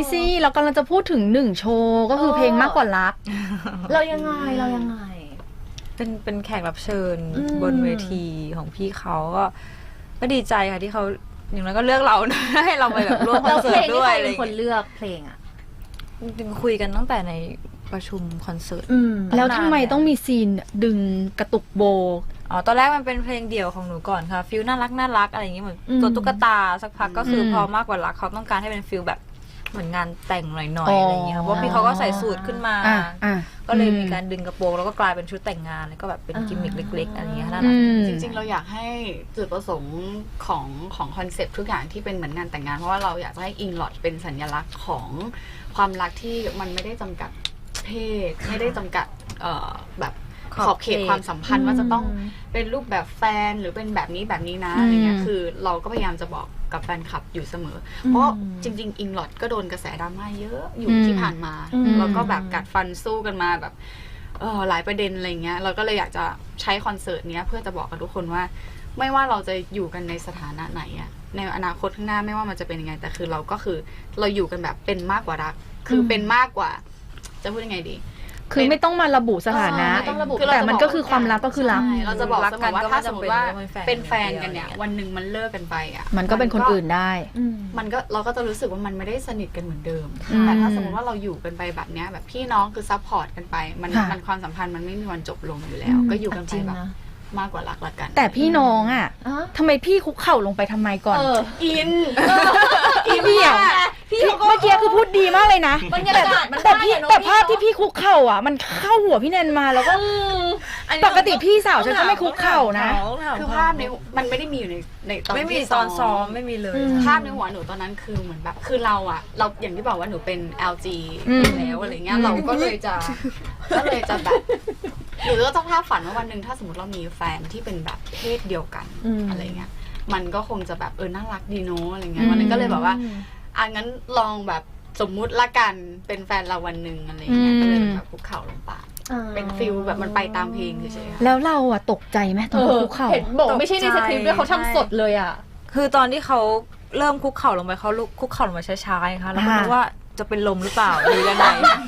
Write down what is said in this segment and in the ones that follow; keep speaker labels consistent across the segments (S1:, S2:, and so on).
S1: สิเรากำลังจะพูดถึง1โชว์ก็คือเพลงมากกว่ารัก
S2: เรายังไง
S3: เป็นแขกรับเชิญบนเวทีของพี่เขาก็ดีใจค่ะที่เขาอย่างนั้นก็เลือกเรา ให้เราไปแบบร่วมคอนเสิร์ตด้วยอะไรอย่างเงี้ย
S2: เป็นคนเลือกเพลงอ่ะ
S3: จริงๆคุยกันตั้งแต่ในประชุมคอนเสิร์ต
S1: แล้วทำไมต้องมีซีนดึงกระตุกโบ
S3: ตอนแรกมันเป็นเพลงเดี่ยวของหนูก่อนค่ะฟิลน่ารักอะไรอย่างเงี้ยเหมือนตัวตุ๊กตาสักพักก็คือพอมากกว่ารักเขาต้องการให้เป็นฟิลแบบเหมือนงานแต่งหน่อยๆอะไรอย่างเงี้ยเพราะพี่เขาก็ใส่สูทขึ้นมาก็เลยมีการดึงกระโปรงแล้วก็กลายเป็นชุดแต่งงานแล้วก็แบบเป็นกิมมิคเล็กๆอะไรอย่างเงี้ยน่ารัก
S4: จริงๆเราอยากให้จุดประสงค์ของคอนเซ็ปต์ทุกอย่างที่เป็นเหมือนงานแต่งงานเพราะว่าเราอยากให้อิงลอดเป็นสัญลักษณ์ของความรักที่มันไม่ได้จำกัดเพศไม่ได้จำกัดแบบขอบเขตความสัมพันธ์ว่าจะต้องเป็นรูปแบบแฟนหรือเป็นแบบนี้นะอะไรเงี้ยคือเราก็พยายามจะบอกกับแฟนคลับอยู่เสมอเพราะจริงๆอิงลอดก็โดนกระแสดราม่าเยอะอยู่ที่ผ่านมาแล้วก็แบบกัดฟันสู้กันมาแบบหลายประเด็นอะไรเงี้ยเราก็เลยอยากจะใช้คอนเสิร์ตเนี้ยเพื่อจะบอกกับทุกคนว่าไม่ว่าเราจะอยู่กันในสถานะไหนอะในอนาคตข้างหน้าไม่ว่ามันจะเป็นยังไงแต่คือเราก็คือเราอยู่กันแบบเป็นมากกว่ารักคือเป็นมากกว่าจะพูดยังไงดี
S1: คือไม่ต้องมาระบุสถานะแต่มันก็คือความรักก็คือรัก
S4: เราจะบอกเสมอว่าถ้าสมมติว่าเป็นแฟนกันเนี่ยวันหนึ่งมันเลิกกันไปอ่ะ
S1: มันก็เป็นคนอื่นได้
S4: มันก็เราก็จะรู้สึกว่ามันไม่ได้สนิทกันเหมือนเดิมแต่ถ้าสมมติว่าเราอยู่กันไปแบบเนี้ยแบบพี่น้องคือซัพพอร์ตกันไปมันความสัมพันธ์มันไม่มีวันจบลงอยู่แล้วก็อยู่กันไปแบบมากกว่ารักละกัน
S1: แต่พี่น้องอ่ะทำไมพี่คุกเข่าลงไปทำไมก่อน
S4: อิน
S1: พี่อ่ะเมื่อกี้คือพูดดีมากเลยนะแต่ภาพที่พี่คุกเข่าอ่ะมันเข้าหัวพี่แนนมาแล้วก็ปกติพี่สาวฉันก็ไม่คุกเข่านะ
S4: คือภาพในมันไม่ได้มีอยู่ในตอน
S3: ไม่มีตอนซ้อมไม่มีเลย
S4: ภาพในหัวหนูตอนนั้นคือเหมือนแบบคือเราอย่างที่บอกว่าหนูเป็น LG อยู่แล้วอะไรเงี้ยเราก็เลยจะแบบหรือก็ต้องภาพฝันว่าวันหนึ่งถ้าสมมติเรามีแฟนที่เป็นแบบเพศเดียวกันอะไรเงี้ยมันก็คงจะแบบน่ารักดีเนาะอะไรเงี้ยวันนั้นก็เลยแบบว่างั้นลองแบบสมมุติละกันเป็นแฟนเราวันหนึ่งอะไรเงี้ยก็เลยแบบคุกเข่าลงไปเป็นฟิลแบบมันไปตามเพลงเฉยๆ
S1: แล้วเราอะตกใจไหมตอนคุกเข่า
S2: เห็นบอกไม่ใช่ในสคริปต์ด้วยเขาทำสดเลยอะ
S3: คือตอนที่เขาเริ่มคุกเข่าลงไปเขาคุกเข่าลงมาช้าๆค่ะแล้วก็นึกว่าจะเป็นลมหรือเปล่าหรือยังไง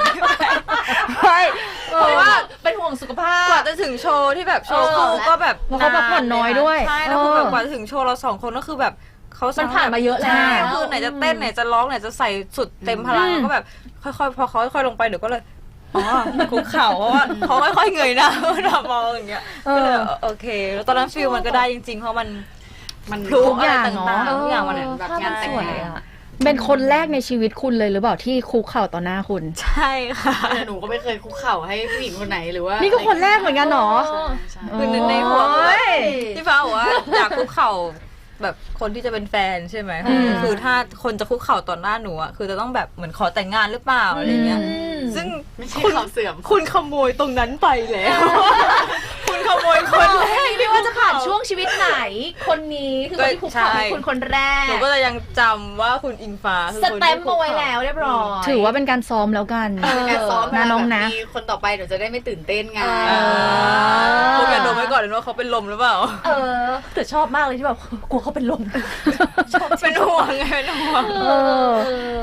S2: เพราะว่าเป็นห่วงสุขภาพ
S3: กว่าจะถึงโชว์ที่แบบโชว์คู่ก็แบบ
S1: เขาพักผ่อนน้อยด้วย
S3: ใช่แล้วคือแบบกว่าจะถึงโชว์เรา2คนก็คือแบบ
S2: มันผ่านมาเยอะแล้ว
S3: คือไหนจะเต้นไหนจะร้องไหนจะใส่สุดเต็มพลังก็แบบค่อยๆพอเขาค่อยๆลงไปเดี๋ยวก็เลยคุกเข่าเพราะว่าเขาค่อยๆเงยหน้ามองอย่างเงี้ยก็เลยโอเคแล้วตอนนั้นฟิลมันก็ได้จริงๆเพราะมัน
S1: ทุกอย่างเนาะ
S3: ทุกอย่างมัน
S4: แบบงานแต่งงาน
S1: เป็นคนแรกในชีวิตคุณเลยหรือเปล่าที่คุกเข่าต่อหน้าคุณ
S3: ใช่ค่ะ
S4: หนูก็ไม่เคยคุกเข่าให้ผู้หญิงคนไหนหรือว่า
S1: นี่ก็คนแรกเหมือนกันเนาะ
S3: คือในหัวที่ฟ้าบอกว่าอยากคุกเข่าแบบคนที่จะเป็นแฟนใช่ไหมคือถ้าคนจะคุกเข่าต่อหน้าหนูอ่ะคือจะต้องแบบเหมือนขอแต่งงานหรือเปล่าอะไรเงี้ยซึ่ง
S4: ไม่ใช่ข่าวเสื่อม
S3: คุณขโมยตรงนั้นไปแล้วคุณขโมยคนแรก
S2: ไม่ว่าจะผ่านช่วงชีวิตไหนคนนี้คือคนที่คุกเข่าเป็นคนแรก
S3: หนูก็จะยังจำว่าคุณอิงฟ้า
S2: สแตมป์เอาไว้แล้วเรียบร้อย
S1: ถือว่าเป็นการซ้อมแล้วกัน
S4: การซ้อม
S1: นะน้องนะ
S4: มีคนต่อไปเดี๋ยวจะได้ไม่ตื่นเต้นไง
S3: คุณอย่าดมไว้ก่อนเลยว่าเขาเป็นลมหรือเปล่า
S2: แต่ชอบมากเลยที่แบบกลัวเขาเป็นลม
S3: เป็นห่วงไงเป็นห่วง